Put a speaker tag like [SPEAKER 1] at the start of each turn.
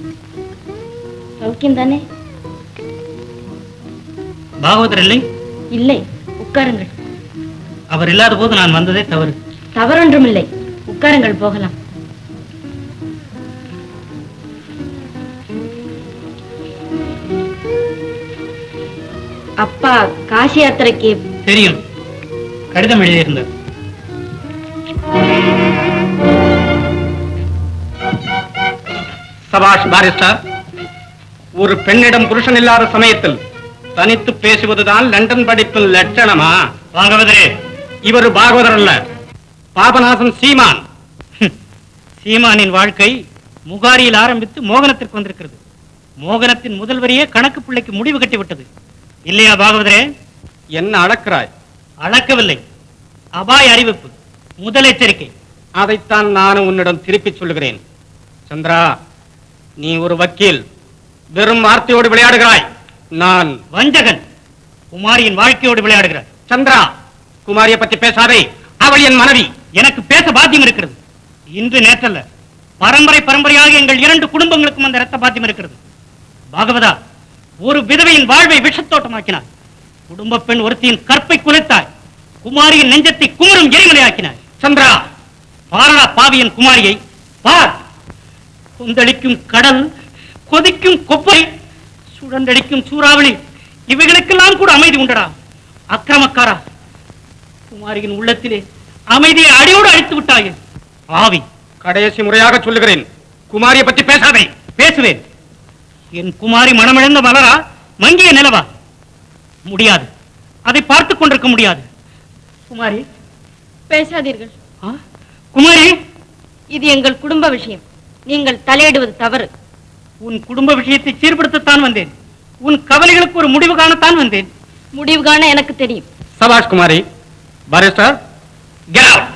[SPEAKER 1] சௌக்கியம் தானே?
[SPEAKER 2] பாகவதர் இல்லை?
[SPEAKER 1] இல்லை, உட்காருங்கள்.
[SPEAKER 2] அவர் இல்லாத போது நான் வந்ததே தவறு.
[SPEAKER 1] தவறொன்றும் இல்லை, உட்காருங்கள், போகலாம். அப்பா காசி யாத்திரைக்கு
[SPEAKER 2] தெரியும், கடிதம் எழுதியிருந்தார்.
[SPEAKER 3] சபாஷ் பாரிஸ்டர். ஒரு பெண்ணிடம் புருஷன் இல்லாத சமயத்தில் தனித்து பேசுவதுதான் லண்டன் படிப்பின் லட்சணமா?
[SPEAKER 2] பாகவதரே,
[SPEAKER 3] இவர் பாகவதர் அல்ல, பாபநாசன் சீமான்.
[SPEAKER 2] சீமானின் வாழ்க்கை முகாரியில் ஆரம்பித்து மோகனத்திற்கு வந்திருக்கிறது. மோகனத்தின் முதல் வரியே கணக்கு பிள்ளைக்கு முடிவு கட்டிவிட்டது இல்லையா பாகவதரே?
[SPEAKER 3] என்ன அளக்கிறாய்?
[SPEAKER 2] அளக்கவில்லை, அபாய அறிவிப்பு, முதல் எச்சரிக்கை.
[SPEAKER 3] அதைத்தான் நானும் உன்னிடம் திருப்பி சொல்லுகிறேன். சந்திரா, நீ ஒரு வக்கீல், வெறும் வார்த்தையோடு விளையாடுகிறாய். நான்
[SPEAKER 2] வஞ்சகன், குமாரியின் வாழ்க்கையோடு விளையாடுகிறார்.
[SPEAKER 3] சந்திரா, குமாரியை பற்றி பேசாதே, அவள் என் மனைவி.
[SPEAKER 2] எனக்கு பேச பாத்தியம் இருக்கிறது. இன்று நேற்றல்ல, பரம்பரை பரம்பரையாக எங்கள் 2 குடும்பங்களுக்கும் அந்த இரத்த பாத்தியம் இருக்கிறது. பாகவதா, ஒரு விதவையின் வாழ்வை விஷத்தோட்டமாக்கினார். குடும்ப பெண் ஒருத்தியின் கற்பை குலைத்தாய். குமாரியின் நெஞ்சத்தை குமரும் எரிமலையாக்கினாய்.
[SPEAKER 3] சந்திரா,
[SPEAKER 2] பாரடா பாவியன் குமாரியை பார். கொந்தளிக்கும் கடல், கொதிக்கும் கொப்பை, சுழந்தடிக்கும் சூறாவளி, இவைகளுக்கெல்லாம் கூட அமைதி உண்டடா. அக்கிரமக்காரா, குமாரியின் உள்ளத்திலே அமைதியை அடியோடு அழித்து விட்டாயே ஆவி.
[SPEAKER 3] கடைசி முறையாக சொல்லுகிறேன், குமாரியை பற்றி பேசாதே.
[SPEAKER 2] பேசுவேன். என் குமாரி மனமிழந்த மலரா, மங்கிய நிலவா? முடியாது, அதை பார்த்துக் கொண்டிருக்க முடியாது. குமாரி,
[SPEAKER 1] பேசாதீர்கள்.
[SPEAKER 2] குமாரி,
[SPEAKER 1] இது எங்கள் குடும்ப விஷயம், நீங்கள் தலையிடுவது தவறு.
[SPEAKER 2] உன் குடும்ப விஷயத்தை சீர்படுத்தத்தான் வந்தேன். உன் கவலைகளுக்கு ஒரு முடிவு காணத்தான் வந்தேன்.
[SPEAKER 1] முடிவு காண எனக்கு தெரியும்.
[SPEAKER 3] சபாஷ் குமாரி. Barrister, get out.